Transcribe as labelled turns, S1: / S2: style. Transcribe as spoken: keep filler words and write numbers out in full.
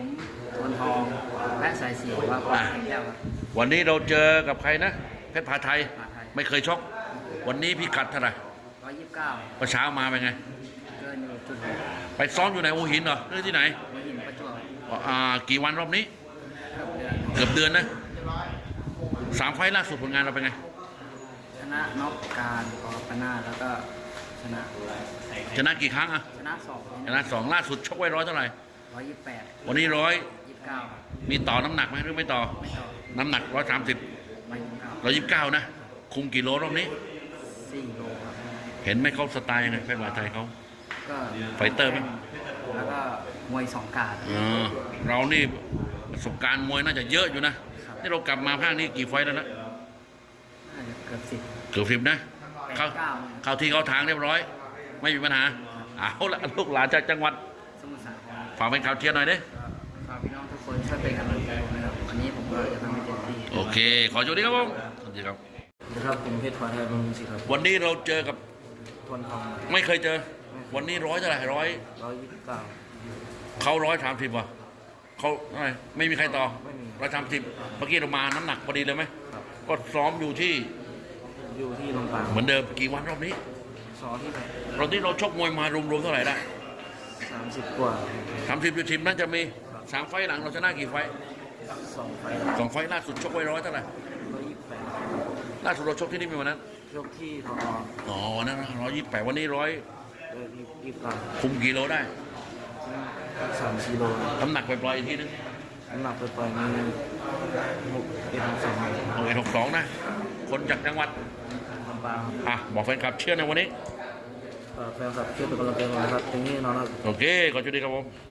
S1: ผมทวนทองและสายเสียว่าปาแก้วครับ
S2: วันนี้เราเจอกับใครนะเพชรพาไทย
S1: พาไทย
S2: ไม่เคยชกวันนี้พี่กัดเท่าไหร่
S1: ร้อยยี่สิบเก้า
S2: ประเช้ามาเป็นไง
S1: เกินอยู่จุดหก
S2: ไปซ้อมอยู่ไหนหัวหินเหรอหรือที่ไหน
S1: หัวหินประจวบ
S2: อ่ากี่วันรอบนี้
S1: เกือบเดือน
S2: เกือบเดือนนะสามไฟล์ล่าสุดผลงานเราเป็นไง
S1: ชนะน็อกการปอปนาแล้วก็ชนะ
S2: ชนะกี่ครั้งอะ
S1: ชนะสอง
S2: ชนะสองล่าสุดชกไว้ร้อยเท่าไหร่
S1: ร้อยยี่สิบแปด
S2: วันนี้ร้อย
S1: ยี่สิบเก้า
S2: มีต่อน้ำหนักไหมหรือไม่ต่อ
S1: ไม่ต่อ
S2: น้ำหนักร้อยสามสิบ
S1: ร้อยยี่สิบเก้า
S2: ร้อยยี่สิบเก้านะคุมกี่โลรอบนี้
S1: สี่โลครับ
S2: เห็นไหมเขาสไตล์ยังไงเพชรพาไทยเขา
S1: ก็
S2: ไฟเตอร์ไหม
S1: แล้วก็มวยสองการ
S2: เออเรานี่ประสบการณ์มวยน่าจะเยอะอยู่นะนี่เรากลับมาภาคนี้กี่ไฟแล้วนะ
S1: เกือบสิบ
S2: เกือบสิบนะเข้าเข้าที่เข้าทางเรียบร้อยไม่มีปัญหาเอาละลูกหลานจากจังหวัด
S1: สมุทรสาคร
S2: ฝากเป็นข่าวเชียร์หน่อยดิ
S1: ฝากพี่น้องทุกคนช่วยเป็นกำลังใจผมนะครับวันนี้ผมก็จะทำให้เต็มที่
S2: โอเคขอโชคดีครับผมสวัสดีครับ
S1: นะครับผมเพชรพาไทยบำรุงศิลป์ครับ
S2: วันนี้เราเจอกับ
S1: ทวนทอง
S2: ไม่เคยเจอวันนี้ร้อยเท่าไหร่ร้อย
S1: ร้อยยี่สิบเก้า
S2: เขาร้อยสามสิบว่ะเขาอะไรไม่มีใครต่อ
S1: ไม่มี
S2: ร้อยสามสิบเมื่อกี้เรามาน้ำหนักพอดีเลยไหมก็ซ้อมอยู่ที่
S1: อยู่ที่ลำปาง
S2: เหมือนเดิมกี่วันรอบนี้
S1: ซ้อมที่ไหน
S2: รอบนี้เราชกมวยมารวมๆเท่าไหร่ได้
S1: สามสิบกว่า
S2: สามสิบจุดสิบน่าจะมีสามไฟหลังเราชนะกี่ไฟ
S1: สองไฟ
S2: สองไฟล่าสุดชกไว้ร้อยเท่าไหร่
S1: ร้อยยี่สิบแปด
S2: ล่าสุดเราชกที่นี่มีวันนั้น
S1: ชกที่ทอ
S2: อ๋อนั่นร้อยยี่สิบแปดวันนี้ร้อย
S1: ยี่สิบเก้า
S2: คุมกี่โลได้
S1: สามสี่โล
S2: น้ำหนักไปปล่อยอีกทีนึง
S1: น้ำหนักไปปล่อยมีหกเอ็ดหกสองห
S2: กเอ็ดหกสองนะคนจากจังหวัด
S1: ลำปาง
S2: อ่ะบอกแฟนคลับเชื่อในวันนี้
S1: แฟนคลับช่วยเป็นกำลังใจให้นะครับตรงนี้นอนครับ
S2: โอเคขอจุดดีครับผม